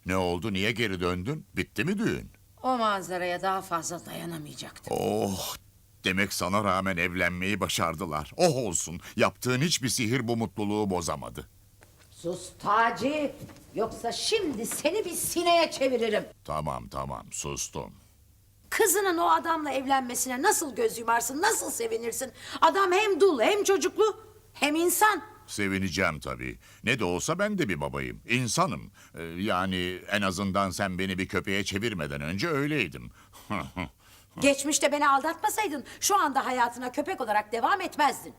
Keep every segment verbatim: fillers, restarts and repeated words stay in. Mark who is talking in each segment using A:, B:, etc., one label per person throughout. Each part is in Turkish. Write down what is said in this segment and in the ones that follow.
A: Ne oldu, niye geri döndün? Bitti mi düğün?
B: O manzaraya daha fazla dayanamayacaktım.
A: Oh, demek sana rağmen evlenmeyi başardılar. Oh olsun, yaptığın hiçbir sihir bu mutluluğu bozamadı.
B: Sus Taci, yoksa şimdi seni bir sineye çeviririm.
A: Tamam tamam, sustum.
B: Kızının o adamla evlenmesine nasıl göz yumarsın, nasıl sevinirsin? Adam hem dul hem çocuklu hem insan.
A: Sevineceğim tabii. Ne de olsa ben de bir babayım. İnsanım. Ee, yani en azından sen beni bir köpeğe çevirmeden önce öyleydim.
B: Geçmişte beni aldatmasaydın şu anda hayatına köpek olarak devam etmezdin.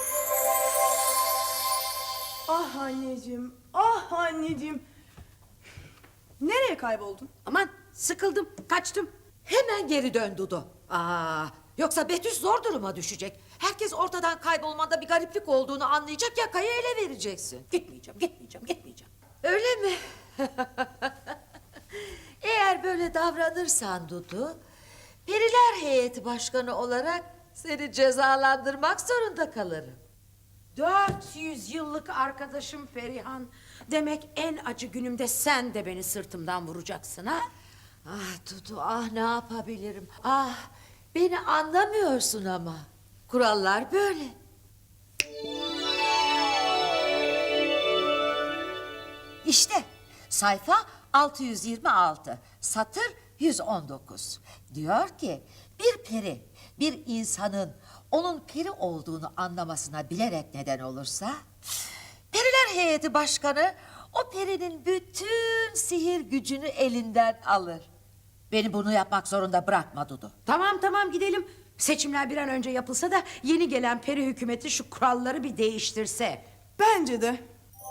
C: Ah anneciğim, ah anneciğim. Nereye kayboldun?
B: Aman sıkıldım, kaçtım. Hemen geri dön Dudu. Aa, yoksa Betüs zor duruma düşecek. Herkes ortadan kaybolmanda bir gariplik olduğunu anlayacak, yakayı ele vereceksin. Gitmeyeceğim, gitmeyeceğim, gitmeyeceğim.
D: Öyle mi? Eğer böyle davranırsan Dudu, Periler Heyeti Başkanı olarak seni cezalandırmak zorunda kalırım.
B: Dört yüz yıllık arkadaşım Perihan. Demek en acı günümde sen de beni sırtımdan vuracaksın ha?
D: Ah Dudu, ah ne yapabilirim? Ah, beni anlamıyorsun ama. Kurallar böyle. İşte sayfa altı yüz yirmi altı, satır yüz on dokuz. Diyor ki bir peri bir insanın onun peri olduğunu anlamasına bilerek neden olursa, Periler Heyeti Başkanı o perinin bütün sihir gücünü elinden alır. Beni bunu yapmak zorunda bırakma Dudu.
B: Tamam tamam gidelim. Seçimler bir an önce yapılsa da yeni gelen peri hükümeti şu kuralları bir değiştirse.
C: Bence de.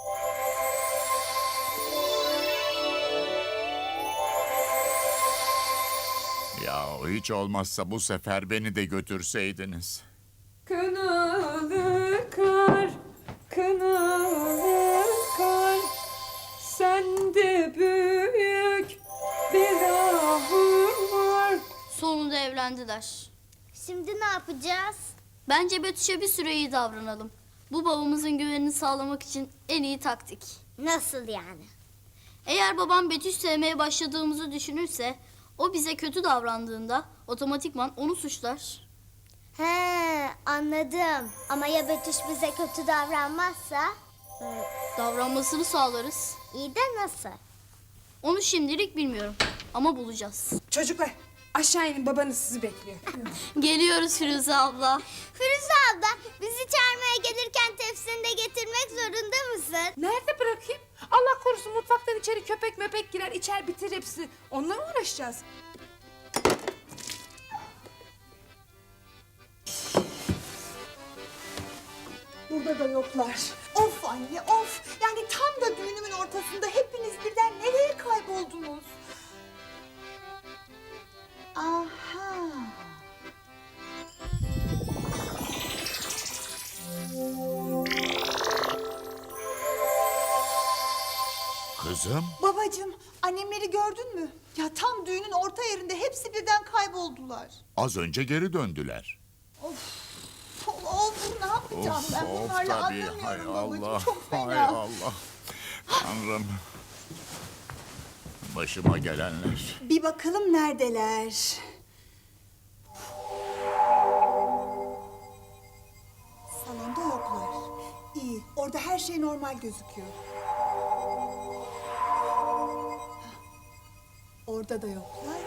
A: Ya hiç olmazsa bu sefer beni de götürseydiniz.
C: Kınalı kar, kınalı kar, sende büyük bir ahım var.
E: Sonunda evlendiler.
F: Şimdi ne yapacağız?
E: Bence Betüş'e bir süre iyi davranalım. Bu babamızın güvenini sağlamak için en iyi taktik.
F: Nasıl yani?
E: Eğer babam Betüş sevmeye başladığımızı düşünürse, o bize kötü davrandığında otomatikman onu suçlar.
F: He, anladım. Ama ya Betüş bize kötü davranmazsa?
E: Davranmasını sağlarız.
F: İyi de nasıl?
E: Onu şimdilik bilmiyorum ama bulacağız.
C: Çocuklar, aşağı inin, babanız sizi bekliyor.
E: Geliyoruz Firuze abla.
F: Firuze abla, bizi çağırmaya gelirken tepsini de getirmek zorunda mısın?
C: Nerede bırakayım? Allah korusun, mutfaktan içeri köpek möpek girer, içer bitir hepsi. Onunla mı uğraşacağız?
G: Burada da yoklar. Of anne of. Yani tam da düğünümün ortasında hepiniz birden nereye kayboldunuz? Aha.
A: Kızım,
G: Babacığım, annemleri gördün mü? Ya tam düğünün orta yerinde hepsi birden kayboldular.
A: az önce geri döndüler.
G: Of, of ne yapacağım
A: Of
G: ben
A: of
G: bunlarla
A: tabii, hay
G: anlamıyorum babacığım.
A: Allah,
G: Çok
A: hay
G: fena.
A: Allah. Tanrım. Başıma gelenler.
G: Bir bakalım neredeler? Salonda yoklar. İyi, orada her şey normal gözüküyor. Orada da yoklar.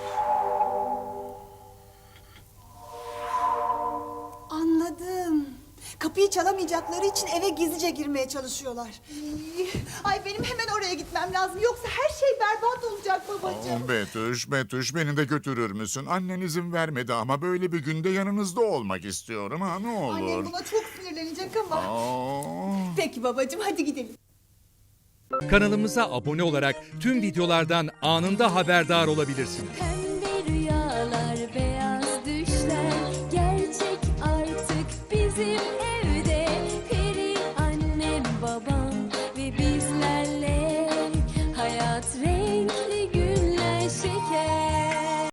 G: Anladım. Kapıyı çalamayacakları için eve gizlice girmeye çalışıyorlar. Ay benim hemen oraya gitmem lazım. Yoksa her şey berbat olacak babacığım.
A: Oh, Betüş, Betüş beni de götürür müsün? Annen izin vermedi ama böyle bir günde yanınızda olmak istiyorum ha, ne olur.
G: Annem buna çok sinirlenecek ama.
A: Aa.
G: Peki babacığım, hadi gidelim.
H: Kanalımıza abone olarak tüm videolardan anında haberdar olabilirsiniz.